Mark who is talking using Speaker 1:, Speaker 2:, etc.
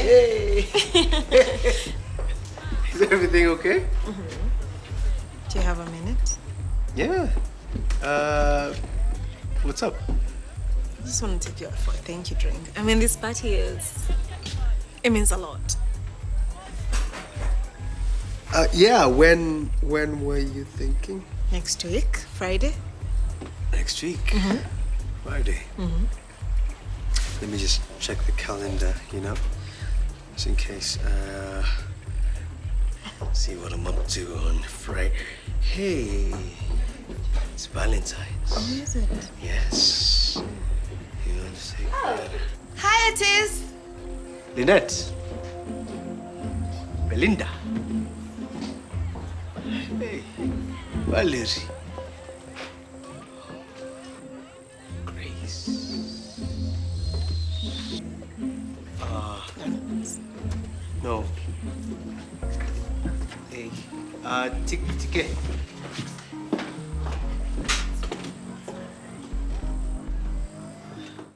Speaker 1: Yay! Is everything okay?
Speaker 2: Do you have a minute?
Speaker 1: Yeah. What's up?
Speaker 2: I just want to take you out for a thank you drink. I mean, this party it means a lot.
Speaker 1: Yeah, when were you thinking?
Speaker 2: Next week, Friday.
Speaker 1: Next week. Friday. Let me just check the calendar, just in case. See what I'm up to on Friday. Hey, it's Valentine's.
Speaker 2: Oh, is it?
Speaker 1: Yes. You want to say that?
Speaker 2: Hi, Otis.
Speaker 1: Lynette. Belinda. Hey, Valerie. Grace. No. Hey, Tike.